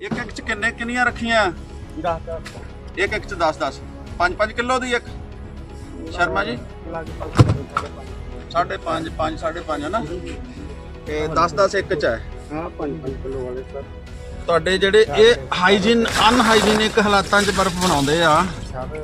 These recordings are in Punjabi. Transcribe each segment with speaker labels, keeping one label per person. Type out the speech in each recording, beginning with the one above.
Speaker 1: ਇੱਕ ਇੱਕ ਚ ਕਿੰਨੀਆਂ ਰੱਖੀਆਂ?
Speaker 2: 10
Speaker 1: ਇੱਕ ਇੱਕ ਚ 10 5 ਕਿਲੋ ਦੀ ਇੱਕ ਸ਼ਰਮਾ ਜੀ ਸਾਢੇ 5 5.5 ਹੈ ਨਾ ਤੇ 10 ਇੱਕ ਚ ਹੈ।
Speaker 2: ਹਾਂ 5 ਕਿਲੋ ਵਾਲੇ ਸਰ
Speaker 1: ਤੁਹਾਡੇ ਜਿਹੜੇ ਇਹ ਹਾਈਜੀਨ ਅਨਹਾਈਜੀਨਿਕ ਹਾਲਾਤਾਂ 'ਚ ਬਰਫ਼ ਬਣਾਉਂਦੇ ਆ
Speaker 2: ਸਰ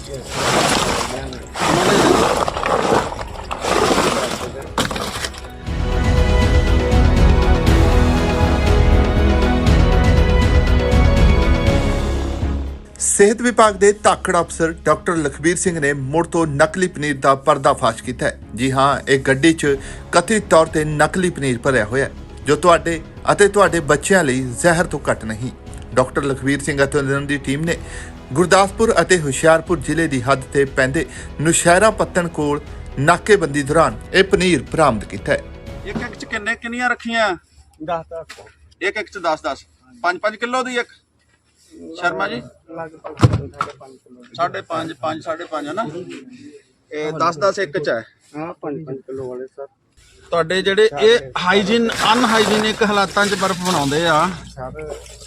Speaker 3: ਸਿਹਤ ਵਿਭਾਗ ਦੇ ਧਾਕੜ ਅਫਸਰ ਡਾਕਟਰ ਲਖਬੀਰ ਸਿੰਘ ਨੇ ਮੁੜ ਤੋਂ ਨਕਲੀ ਪਨੀਰ ਦਾ ਪਰਦਾਫਾਸ਼ ਕੀਤਾ ਹੈ। ਜੀ ਹਾਂ, ਇਹ ਗੱਡੀ 'ਚ ਕਥਿਤ ਤੌਰ ਤੇ ਨਕਲੀ ਪਨੀਰ ਭਰਿਆ ਹੋਇਆ ਹੈ ਜੋ ਤੁਹਾਡੇ ਅਤੇ ਤੁਹਾਡੇ ਬੱਚਿਆਂ ਲਈ ਜ਼ਹਿਰ ਤੋਂ ਘੱਟ ਨਹੀਂ। ਡਾਕਟਰ ਲਖਬੀਰ ਸਿੰਘ ਅਤੇ ਉਹਨਾਂ ਦੀ ਟੀਮ ਨੇ ਗੁਰਦਾਸਪੁਰ ਅਤੇ ਹੁਸ਼ਿਆਰਪੁਰ ਜ਼ਿਲ੍ਹੇ ਦੀ ਹੱਦ ਤੇ ਪੈਂਦੇ ਨੁਸ਼ਹਿਰਾ ਪੱਤਣ ਕੋਲ ਨਾਕੇਬੰਦੀ ਦੌਰਾਨ ਇਹ ਪਨੀਰ ਬਰਾਮਦ ਕੀਤਾ ਹੈ।
Speaker 1: ਇੱਕ ਇੱਕ ਚ ਕਿੰਨੀਆਂ ਰੱਖੀਆਂ?
Speaker 2: 10
Speaker 1: ਇੱਕ ਇੱਕ ਚ 10 5 ਕਿਲੋ ਦੀ ਇੱਕ ਸ਼ਰਮਾ ਜੀ
Speaker 2: ਲਗਭਗ 5 ਕਿਲੋ
Speaker 1: ਸਾਢੇ 5 ਹੈ ਨਾ ਇਹ 10 ਇੱਕ ਚ ਹੈ।
Speaker 2: ਹਾਂ 5 ਕਿਲੋ ਵਾਲੇ ਸਰ
Speaker 1: ਤੁਹਾਡੇ ਜਿਹੜੇ ਇਹ ਹਾਈਜੀਨ ਅਨਹਾਈਜੀਨਿਕ ਹਾਲਾਤਾਂ 'ਚ ਬਰਫ਼ ਬਣਾਉਂਦੇ ਆ
Speaker 2: ਸਰ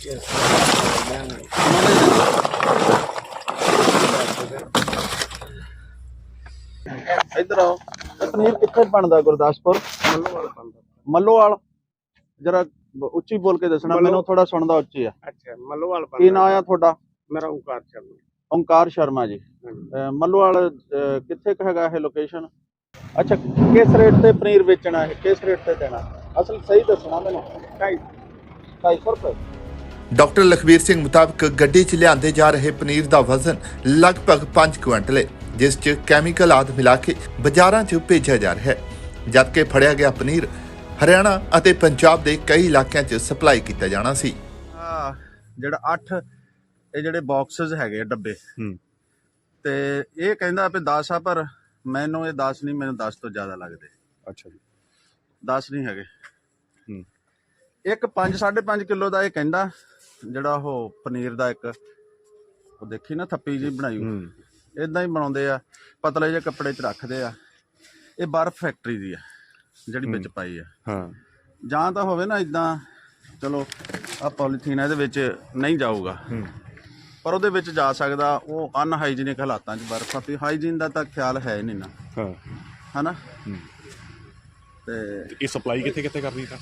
Speaker 1: ਇੱਧਰ ਆਓ। ਇਹ ਪਨੀਰ ਕਿੱਥੇ ਬਣਦਾ? ਗੁਰਦਾਸਪੁਰ ਮੱਲੋਵਾਲ। ਜਰਾ ਉੱਚੀ ਬੋਲ ਕੇ ਦੱਸਣਾ, ਮੈਨੂੰ ਥੋੜਾ ਸੁਣਦਾ ਉੱਚੀ ਆ।
Speaker 2: ਅੱਛਾ ਮੱਲੋਵਾਲ
Speaker 1: ਕੀ ਨਾਂ ਆ ਤੁਹਾਡਾ?
Speaker 2: ਮੇਰਾ ਓਂਕਾਰ ਸ਼ਰਮਾ।
Speaker 1: ਓਂਕਾਰ ਸ਼ਰਮਾ ਜੀ। ਮੱਲੋਵਾਲ ਕਿੱਥੇ ਕੁ ਹੈਗਾ ਇਹ ਲੋਕੇਸ਼ਨ? ਅੱਛਾ, ਕਿਸ ਰੇਟ ਤੇ ਪਨੀਰ ਵੇਚਣਾ ਹੈ, ਕਿਸ ਰੇਟ ਤੇ ਦੇਣਾ? ਅਸਲ ਸਹੀ ਦੱਸਣਾ ਮੈਨੂੰ। 250 ਰੁਪਏ।
Speaker 3: ਡਾਕਟਰ ਲਖਬੀਰ ਸਿੰਘ ਮੁਤਾਬਕ ਗੱਡੀ 'ਚ ਲਿਆਂਦੇ ਜਾ ਰਹੇ ਪਨੀਰ ਦਾ ਵਜ਼ਨ ਲਗਭਗ 5 ਕੁਇੰਟਲ ਹੈ, ਜਿਸ 'ਚ ਕੈਮੀਕਲ ਆਦਿ ਮਿਲਾ ਕੇ ਬਾਜ਼ਾਰਾਂ 'ਚ ਭੇਜਿਆ ਜਾ ਰਿਹਾ ਹੈ, ਜਦਕਿ ਫੜਿਆ ਗਿਆ ਪਨੀਰ ਹਰਿਆਣਾ ਅਤੇ ਪੰਜਾਬ ਦੇ ਕਈ ਇਲਾਕਿਆਂ 'ਚ ਸਪਲਾਈ ਕੀਤਾ ਜਾਣਾ ਸੀ।
Speaker 1: ਜਿਹੜਾ 8 ਇਹ ਜਿਹੜੇ ਬਾਕਸਸ ਹੈਗੇ ਡੱਬੇ ਤੇ ਇਹ ਕਹਿੰਦਾ ਵੀ 10 ਆ, ਪਰ ਮੈਨੂੰ ਇਹ 10 ਨਹੀਂ, ਮੈਨੂੰ 10 ਤੋਂ ਜ਼ਿਆਦਾ ਲੱਗਦੇ।
Speaker 4: ਅੱਛਾ ਜੀ
Speaker 1: 10 ਨਹੀਂ ਹੈਗੇ। ਇੱਕ 5.5 ਕਿਲੋ ਦਾ ਇਹ ਕਹਿੰਦਾ ਜਿਹੜਾ ਉਹ ਪਨੀਰ ਦਾ ਇੱਕ ਉਹ ਦੇਖੀ ਨਾ ਥੱਪੀ ਜੀ ਬਣਾਈ ਇਦਾਂ ਹੀ ਬਣਾਉਂਦੇ ਆ, ਪਤਲੇ ਜਿਹੇ ਕੱਪੜੇ 'ਚ ਰੱਖਦੇ ਆ। ਇਹ ਬਰਫ਼ ਫੈਕਟਰੀ ਦੀ ਆ ਜਿਹੜੀ ਵਿੱਚ ਪਾਈ ਆ।
Speaker 4: ਹਾਂ
Speaker 1: ਜਾਂ ਤਾਂ ਹੋਵੇ ਨਾ ਇਦਾਂ, ਚਲੋ ਆ ਪੋਲੀਥੀਨ ਇਹਦੇ ਵਿੱਚ ਨਹੀਂ ਜਾਊਗਾ, ਪਰ ਉਹਦੇ ਵਿੱਚ ਜਾ ਸਕਦਾ। ਉਹ ਅਨਹਾਈਜੀਨਿਕ ਹਾਲਾਤਾਂ 'ਚ ਬਰਫ਼ ਆ, ਵੀ ਹਾਈਜੀਨ ਦਾ ਤਾਂ ਖਿਆਲ ਹੈ ਨਹੀਂ ਨਾ,
Speaker 4: ਹਾਂ
Speaker 1: ਹਨਾ। ਤੇ
Speaker 4: ਇਹ ਸਪਲਾਈ ਕਿੱਥੇ ਕਰਨੀ ਤਾਂ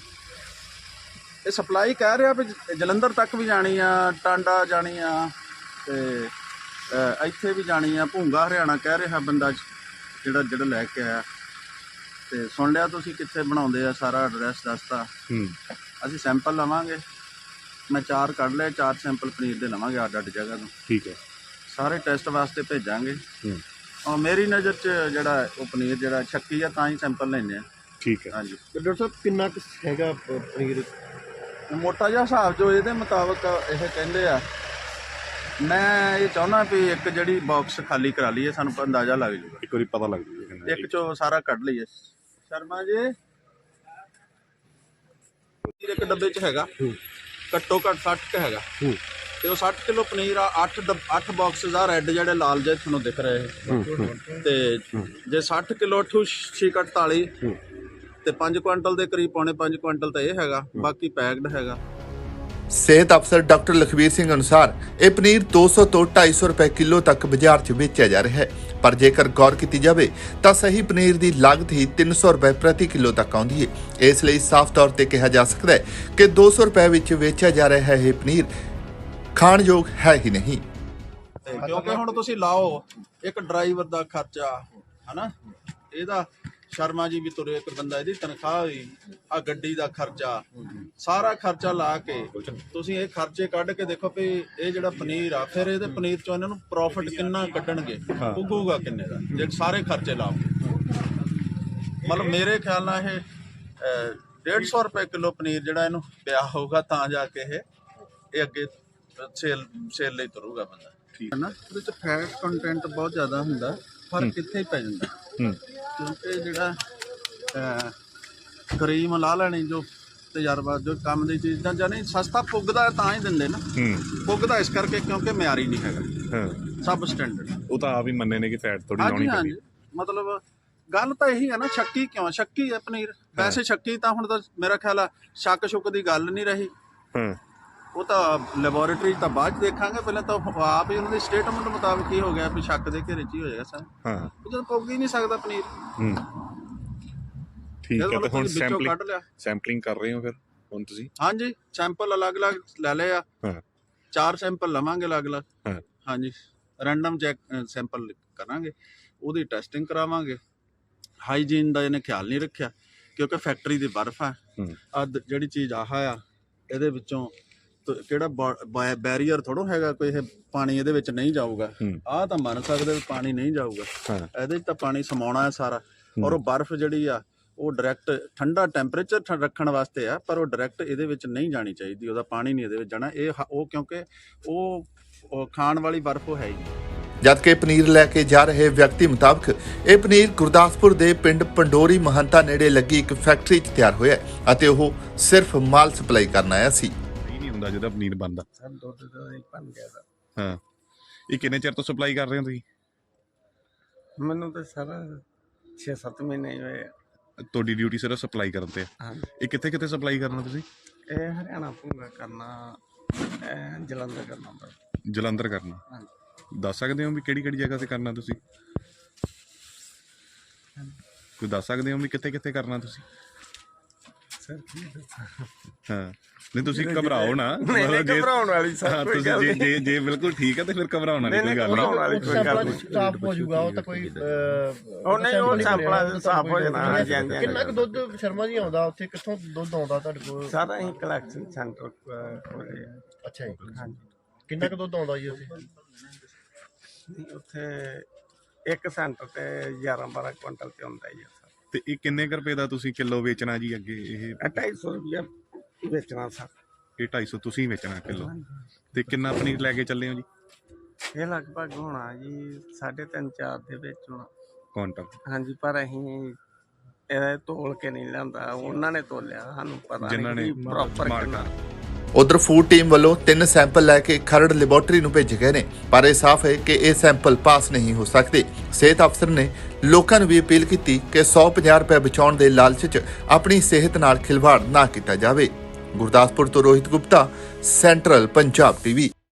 Speaker 1: ਇਹ ਸਪਲਾਈ ਕਹਿ ਰਿਹਾ ਵੀ ਜਲੰਧਰ ਤੱਕ ਵੀ ਜਾਣੀ ਆ, ਟਾਂਡਾ ਜਾਣੀ ਆ, ਤੇ ਇੱਥੇ ਵੀ ਜਾਣੀ ਆ, ਭੂੰਗਾ ਹਰਿਆਣਾ ਕਹਿ ਰਿਹਾ ਬੰਦਾ ਜਿਹੜਾ ਲੈ ਕੇ ਆਇਆ। ਤੇ ਸੁਣ ਲਿਆ ਤੁਸੀਂ ਕਿੱਥੇ ਬਣਾਉਂਦੇ ਆ, ਸਾਰਾ ਐਡਰੈਸ ਦੱਸਤਾ। ਅਸੀਂ ਸੈਂਪਲ ਲਵਾਂਗੇ, ਮੈਂ 4 ਕੱਢ ਲਏ, 4 ਸੈਂਪਲ ਪਨੀਰ ਦੇ ਲਵਾਂਗੇ ਅੱਡ ਜਗ੍ਹਾ ਤੋਂ।
Speaker 4: ਠੀਕ ਹੈ,
Speaker 1: ਸਾਰੇ ਟੈਸਟ ਵਾਸਤੇ ਭੇਜਾਂਗੇ। ਔਰ ਮੇਰੀ ਨਜ਼ਰ 'ਚ ਜਿਹੜਾ ਉਹ ਪਨੀਰ ਜਿਹੜਾ ਸ਼ੱਕੀ ਆ, ਤਾਂ ਹੀ ਸੈਂਪਲ ਲੈਣੇ ਆ।
Speaker 4: ਠੀਕ ਹੈ।
Speaker 1: ਹਾਂਜੀ
Speaker 2: ਡਾਕਟਰ ਸਾਹਿਬ ਕਿੰਨਾ ਕੁ ਹੈਗਾ ਪਨੀਰ?
Speaker 1: ਮੋਟਾ ਜਿਹਾ ਹਿਸਾਬ ਜੋ ਇਹਦੇ ਮੁਤਾਬਕ ਇਹ ਕਹਿੰਦੇ ਆ। ਮੈਂ ਇਹ ਚਾਹੁੰਦਾ ਵੀ ਇੱਕ ਜਿਹੜੀ ਬਾਕਸ ਖਾਲੀ ਕਰਾ ਲਈਏ, ਸਾਨੂੰ ਅੰਦਾਜ਼ਾ ਲੱਗ ਜਾਊਗਾ,
Speaker 4: ਇੱਕ ਵਾਰੀ ਪਤਾ ਲੱਗ ਜੂਗਾ।
Speaker 1: ਇੱਕ ਚੋਂ ਸਾਰਾ ਕੱਢ ਲਈਏ। ਸ਼ਰਮਾ ਜੀ ਇੱਕ ਡੱਬੇ 'ਚ ਹੈਗਾ ਘੱਟੋ ਘੱਟ 60 ਕ ਹੈਗਾ, ਤੇ ਉਹ 60 ਕਿਲੋ ਪਨੀਰ ਆ। 8 ਬਾਕਸਿਸ ਆ ਰੈੱਡ ਜਿਹੜੇ ਲਾਲ ਜਿਹੇ ਤੁਹਾਨੂੰ ਦਿਖ ਰਹੇ। ਤੇ ਜੇ 60 ਕਿਲੋ 8×6 48 ਤੇ 5 ਕੁਇੰਟਲ ਦੇ ਕਰੀਬ, ਪੌਣੇ 5 ਕੁਇੰਟਲ ਤਾਂ ਇਹ ਹੈਗਾ, ਬਾਕੀ ਪੈਕਡ ਹੈਗਾ।
Speaker 3: ਸਿਹਤ ਅਫਸਰ ਡਾਕਟਰ ਲਖਬੀਰ ਸਿੰਘ ਅਨੁਸਾਰ ਇਹ ਪਨੀਰ 200 ਤੋਂ 250 ਰੁਪਏ ਕਿਲੋ ਤੱਕ ਬਾਜ਼ਾਰ 'ਚ ਵੇਚਿਆ ਜਾ ਰਿਹਾ ਹੈ, ਪਰ ਜੇਕਰ ਗੌਰ ਕੀਤੀ ਜਾਵੇ ਤਾਂ ਸਹੀ ਪਨੀਰ ਦੀ ਲਾਗਤ ਹੀ 300 ਰੁਪਏ ਪ੍ਰਤੀ ਕਿਲੋ ਤੱਕ ਆਉਂਦੀ ਹੈ। ਇਸ ਲਈ ਸਾਫ਼ ਤੌਰ ਤੇ ਕਿਹਾ ਜਾ ਸਕਦਾ ਹੈ ਕਿ 200 ਰੁਪਏ ਵਿੱਚ ਵੇਚਿਆ ਜਾ ਰਿਹਾ ਹੈ ਇਹ ਪਨੀਰ ਖਾਣਯੋਗ ਹੈ ਹੀ ਨਹੀਂ।
Speaker 1: ਕਿਉਂਕਿ ਹੁਣ ਤੁਸੀਂ ਲਾਓ ਇੱਕ ਡਰਾਈਵਰ ਦਾ ਖਰਚਾ, ਹਨਾ, ਇਹਦਾ ਸ਼ਰਮਾ ਜੀ ਵੀ ਤੁਰੇ, ਇੱਕ ਬੰਦਾ ਇਹਦੀ ਤਨਖਾਹ ਹੋਈ, ਆ ਗੱਡੀ ਦਾ ਖਰਚਾ, ਸਾਰਾ ਖਰਚਾ ਲਾ ਕੇ ਤੁਸੀਂ ਇਹ ਖਰਚੇ ਕੱਢ ਕੇ ਦੇਖੋ ਵੀ ਇਹ ਜਿਹੜਾ ਪਨੀਰ ਆ, ਫਿਰ ਇਹਦੇ ਪਨੀਰ ਚੋਂ ਇਹਨਾਂ ਨੂੰ ਪ੍ਰੋਫਿਟ ਕਿੰਨਾ ਕੱਢਣਗੇ, ਉੱਗੂਗਾ ਕਿੰਨੇ ਦਾ ਜੇ ਸਾਰੇ ਖਰਚੇ ਲਾਓ। ਮਤਲਬ ਮੇਰੇ ਖਿਆਲ ਨਾਲ ਇਹ 150 ਰੁਪਏ ਕਿਲੋ ਪਨੀਰ ਜਿਹੜਾ ਇਹਨੂੰ ਪਿਆ ਹੋਊਗਾ, ਤਾਂ ਜਾ ਕੇ ਇਹ ਅੱਗੇ ਸੇਲ ਲਈ ਤੁਰੂਗਾ ਬੰਦਾ। ਠੀਕ ਹੈ ਨਾ। ਉਹਦੇ 'ਚ ਫੈਟ ਕੰਟੈਂਟ ਬਹੁਤ ਜ਼ਿਆਦਾ ਹੁੰਦਾ, ਫਰਕ ਕਿੱਥੇ ਹੀ ਪੈ ਜਾਂਦਾ। ਕਿਉਂਕਿ ਜਿਹੜਾ ਕਰੀਮ ਲਾ ਲੈਣੀ, ਜੋ ਤਜਰਬਾ, ਜੋ ਕੰਮ ਦੀ ਚੀਜ਼ ਦਾ ਜਾਨੀ ਸਸਤਾ ਪੁੱਗਦਾ ਤਾਂ ਹੀ ਦਿੰਦੇ ਨਾ। ਪੁੱਗਦਾ ਇਸ ਕਰਕੇ ਕਿਉਂਕਿ ਮਿਆਰੀ ਨਹੀਂ ਹੈਗਾ, ਸਭ ਸਟੈਂਡਰਡ।
Speaker 4: ਉਹ ਤਾਂ ਆਪ ਹੀ ਮੰਨੇ ਨੇ ਕਿ ਫੈਟ ਥੋੜੀ ਲਾਉਣੀ
Speaker 1: ਪੈਂਦੀ। ਹਾਂਜੀ, ਮਤਲਬ ਗੱਲ ਤਾਂ ਇਹੀ ਹੈ ਨਾ, ਸ਼ੱਕੀ ਕਿਉਂ? ਸ਼ੱਕੀ ਹੈ ਪਨੀਰ ਵੈਸੇ। ਸ਼ੱਕੀ ਤਾਂ ਹੁਣ ਤਾਂ ਮੇਰਾ ਖਿਆਲ ਆ ਸ਼ੱਕ ਸ਼ੁੱਕ ਦੀ ਗੱਲ ਨਹੀਂ ਰਹੀ। ਉਹ ਤਾਂ ਲੈਬੋਰੇਟਰੀ ਤਾਂ ਬਾਅਦ 'ਚ ਦੇਖਾਂਗੇ, ਪਹਿਲਾਂ ਤਾਂ ਆਪ ਹੀ ਉਹਨਾਂ ਦੀ ਸਟੇਟਮੈਂਟ ਮੁਤਾਬਕ ਹੀ ਹੋ ਗਿਆ ਵੀ ਸ਼ੱਕ ਦੇ ਘੇਰੇ 'ਚ ਹੀ ਹੋ ਜਾਏਗਾ ਸਰ।
Speaker 4: ਹਾਂ
Speaker 1: ਉਹ ਜਦੋਂ ਪੁੱਗ ਹੀ ਨਹੀਂ ਸਕਦਾ ਪਨੀਰ,
Speaker 4: ਹੂੰ ਠੀਕ ਹੈ। ਤੇ ਹੁਣ
Speaker 1: ਵਿੱਚੋਂ ਕੱਢ ਲਿਆ।
Speaker 4: ਸੈਂਪਲਿੰਗ ਕਰ ਰਹੇ ਹੋ ਫਿਰ ਹੁਣ ਤੁਸੀਂ?
Speaker 1: ਹਾਂਜੀ, ਸੈਂਪਲ ਅਲੱਗ-ਅਲੱਗ ਲੈ ਲਏ ਆ।
Speaker 4: ਹਾਂ
Speaker 1: 4 ਸੈਂਪਲ ਲਵਾਂਗੇ ਅਲੱਗ-ਅਲੱਗ।
Speaker 4: ਹਾਂ
Speaker 1: ਹਾਂਜੀ, ਰੈਂਡਮ ਚੈੱਕ ਸੈਂਪਲ ਕਰਾਂਗੇ, ਉਹਦੀ ਟੈਸਟਿੰਗ ਕਰਾਵਾਂਗੇ। ਹਾਈਜੀਨ ਦਾ ਇਹਨੇ ਖਿਆਲ ਨਹੀਂ ਰੱਖਿਆ ਕਿਉਂਕਿ ਫੈਕਟਰੀ ਦੀ ਬਰਫ਼ ਆ। ਜਿਹੜੀ ਚੀਜ਼ ਆਹ ਆ ਇਹਦੇ ਵਿੱਚੋਂ ਕਿਹੜਾ ਬੈਰੀਅਰ ਥੋੜੋ ਹੈਗਾ ਕੋਈ, ਇਹ ਪਾਣੀ ਇਹਦੇ ਵਿੱਚ ਨਹੀਂ ਜਾਊਗਾ। ਆਹ ਤਾਂ ਮੰਨ ਸਕਦੇ ਵੀ ਪਾਣੀ ਨਹੀਂ ਜਾਊਗਾ, ਇਹਦੇ 'ਚ ਤਾਂ ਪਾਣੀ ਸਮਾਉਣਾ ਹੈ ਸਾਰਾ। ਔਰ ਉਹ ਬਰਫ਼ ਜਿਹੜੀ ਆ ਉਹ ਡਾਇਰੈਕਟ ਠੰਡਾ ਟੈਂਪਰੇਚਰ ਰੱਖਣ ਵਾਸਤੇ ਆ, ਪਰ ਉਹ ਡਾਇਰੈਕਟ ਇਹਦੇ ਵਿੱਚ ਨਹੀਂ ਜਾਣੀ ਚਾਹੀਦੀ, ਉਹਦਾ ਪਾਣੀ ਨਹੀਂ ਇਹਦੇ ਵਿੱਚ ਜਾਣਾ। ਉਹ ਕਿਉਂਕਿ ਉਹ ਖਾਣ ਵਾਲੀ ਬਰਫ਼ ਉਹ ਹੈ ਹੀ।
Speaker 3: ਜਦਕਿ ਪਨੀਰ ਲੈ ਕੇ ਜਾ ਰਹੇ ਵਿਅਕਤੀ ਮੁਤਾਬਕ ਇਹ ਪਨੀਰ ਗੁਰਦਾਸਪੁਰ ਦੇ ਪਿੰਡ ਪੰਡੋਰੀ ਮਹੰਤਾ ਨੇੜੇ ਲੱਗੀ ਇੱਕ ਫੈਕਟਰੀ 'ਚ ਤਿਆਰ ਹੋਇਆ ਅਤੇ ਉਹ ਸਿਰਫ ਮਾਲ ਸਪਲਾਈ ਕਰਨ ਆਇਆ ਸੀ।
Speaker 4: ਇਹ ਨਹੀਂ ਹੁੰਦਾ ਜਿਹਦਾ ਪਨੀਰ ਬਣਦਾ
Speaker 2: ਸਰ ਦੁੱਧ ਦਾ ਬਣ ਗਿਆ ਸਰ।
Speaker 4: ਹਾਂ ਇਹ ਕਿੰਨੇ ਚਿਰ ਤੋਂ ਸਪਲਾਈ ਕਰ ਰਹੇ ਹੋ ਤੁਸੀਂ?
Speaker 2: ਮੈਨੂੰ ਤਾਂ ਸਰ 6-7 ਮਹੀਨੇ ਹੋਏ ਆ।
Speaker 4: ਤੁਹਾਡੀ ਡਿਊਟੀ ਸਿਰਫ ਸਪਲਾਈ ਕਰਨ ਤੇ ਆ।
Speaker 2: ਹਾਂਜੀ,
Speaker 4: ਇਹ ਕਿੱਥੇ ਕਿੱਥੇ ਸਪਲਾਈ ਕਰਨਾ ਤੁਸੀਂ?
Speaker 2: ਇਹ ਹਰਿਆਣਾ ਭੂੰਗਾ ਕਰਨਾ, ਜਲੰਧਰ ਕਰਨਾ ਬਸ।
Speaker 4: ਜਲੰਧਰ ਕਰਨਾ।
Speaker 2: ਹਾਂਜੀ,
Speaker 4: ਦੱਸ ਸਕਦੇ ਹੋ ਵੀ ਕਿਹੜੀ ਕਿਹੜੀ ਜਗ੍ਹਾ ਤੇ ਕਰਨਾ ਤੁਸੀਂ? ਕੋਈ ਦੱਸ ਸਕਦੇ ਹੋ ਵੀ ਕਿੱਥੇ ਕਿੱਥੇ ਕਰਨਾ ਤੁਸੀਂ?
Speaker 2: ਸਰ ਕੀ ਦੱਸਾਂ?
Speaker 4: ਹਾਂ ਨਹੀਂ ਤੁਸੀਂ ਘਬਰਾਓ ਨਾ।
Speaker 2: ਨਹੀਂ ਘਬਰਾਉਣ ਵਾਲੀ ਸਰ ਕੋਈ ਗੱਲ
Speaker 4: ਤੁਸੀਂ
Speaker 2: ਨਹੀਂ।
Speaker 4: ਜੇ ਬਿਲਕੁਲ ਠੀਕ ਹੈ ਤੇ ਫਿਰ ਘਬਰਾਉਣ ਵਾਲੀ ਕੋਈ ਗੱਲ
Speaker 2: ਘਬਰਾਉਣ
Speaker 4: ਨਹੀਂ।
Speaker 2: ਵਾਲੀ ਕੋਈ ਗੱਲ ਨਹੀਂ।
Speaker 5: ਸਾਫ਼ ਹੋ ਜਾਊਗਾ, ਉਹ ਤਾਂ ਕੋਈ
Speaker 2: ਉਹ ਨਹੀਂ, ਉਹ ਸੈਂਪਲਾਂ ਸਾਫ਼ ਹੋ ਜਾਣਾ। ਹਾਂਜੀ ਹਾਂਜੀ।
Speaker 5: ਕਿੰਨਾ ਕੁ ਦੁੱਧ ਸ਼ਰਮਾ ਜੀ ਆਉਂਦਾ ਉੱਥੇ, ਕਿੱਥੋਂ ਦੁੱਧ ਆਉਂਦਾ ਤੁਹਾਡੇ ਕੋਲ?
Speaker 2: ਸਾਰਾ ਹੀ ਕਲੈਕਸ਼ਨ ਸੈਂਟਰ ਕੋਲੇ।
Speaker 5: ਅੱਛਾ ਜੀ,
Speaker 2: ਹਾਂਜੀ,
Speaker 5: ਕਿੰਨਾ ਕੁ ਦੁੱਧ ਆਉਂਦਾ ਜੀ ਉੱਥੇ?
Speaker 2: ਉੱਥੇ ਇੱਕ ਸੈਂਟਰ ਤੇ 11-12 ਕੁਇੰਟਲ ਤੇ ਹੁੰਦਾ ਹੀ ਆ ਸਰ।
Speaker 4: ਤੇ ਇਹ ਕਿੰਨੇ ਕੁ ਰੁਪਏ ਦਾ ਤੁਸੀਂ ਕਿਲੋ ਵੇਚਣਾ ਜੀ ਅੱਗੇ? ਇਹ
Speaker 2: 250 ਰੁਪਇਆ ਵੇਚਣਾ ਸਰ।
Speaker 4: ਇਹ 250 ਤੁਸੀਂ ਵੇਚਣਾ ਕਿਲੋ। ਤੇ ਕਿੰਨਾ ਪਨੀਰ ਲੈ ਕੇ ਚੱਲੇ ਹੋ ਜੀ?
Speaker 2: ਇਹ ਲਗਭਗ ਹੋਣਾ ਜੀ 3.5-4 ਦੇ ਵਿੱਚ ਹੋਣਾ।
Speaker 4: ਕੁਇੰਟਲ?
Speaker 2: ਹਾਂਜੀ, ਪਰ ਅਸੀਂ ਇਹ ਤੋਲ ਕੇ ਨਹੀਂ ਲਿਆਂਦਾ, ਉਹਨਾਂ ਨੇ ਤੋਲਿਆ, ਸਾਨੂੰ ਪਤਾ
Speaker 4: ਜਿਨ੍ਹਾਂ ਨੇ
Speaker 2: ਨਹੀਂ ਪ੍ਰੋਪਰ ਕਿੰਨਾ।
Speaker 3: ਉਧਰ ਫੂਡ ਟੀਮ ਵੱਲੋਂ 3 ਸੈਂਪਲ ਲੈ ਕੇ ਖਰੜ ਲੈਬੋਰੇਟਰੀ ਨੂੰ ਭੇਜੇ ਗਏ ਨੇ, ਪਰ ਇਹ ਸਾਫ਼ ਹੈ ਕਿ ਇਹ ਸੈਂਪਲ ਪਾਸ ਨਹੀਂ ਹੋ ਸਕਦੇ। ਸਿਹਤ ਅਫਸਰ ਨੇ ਲੋਕਾਂ ਨੂੰ ਵੀ ਅਪੀਲ ਕੀਤੀ ਕਿ 150 ਰੁਪਏ ਬਚਾਉਣ ਦੇ ਲਾਲਚ 'ਚ ਆਪਣੀ ਸਿਹਤ ਨਾਲ ਖਿਲਵਾੜ ਨਾ ਕੀਤਾ ਜਾਵੇ। ਗੁਰਦਾਸਪੁਰ ਤੋਂ ਰੋਹਿਤ ਗੁਪਤਾ, ਸੈਂਟਰਲ ਪੰਜਾਬ ਟੀਵੀ।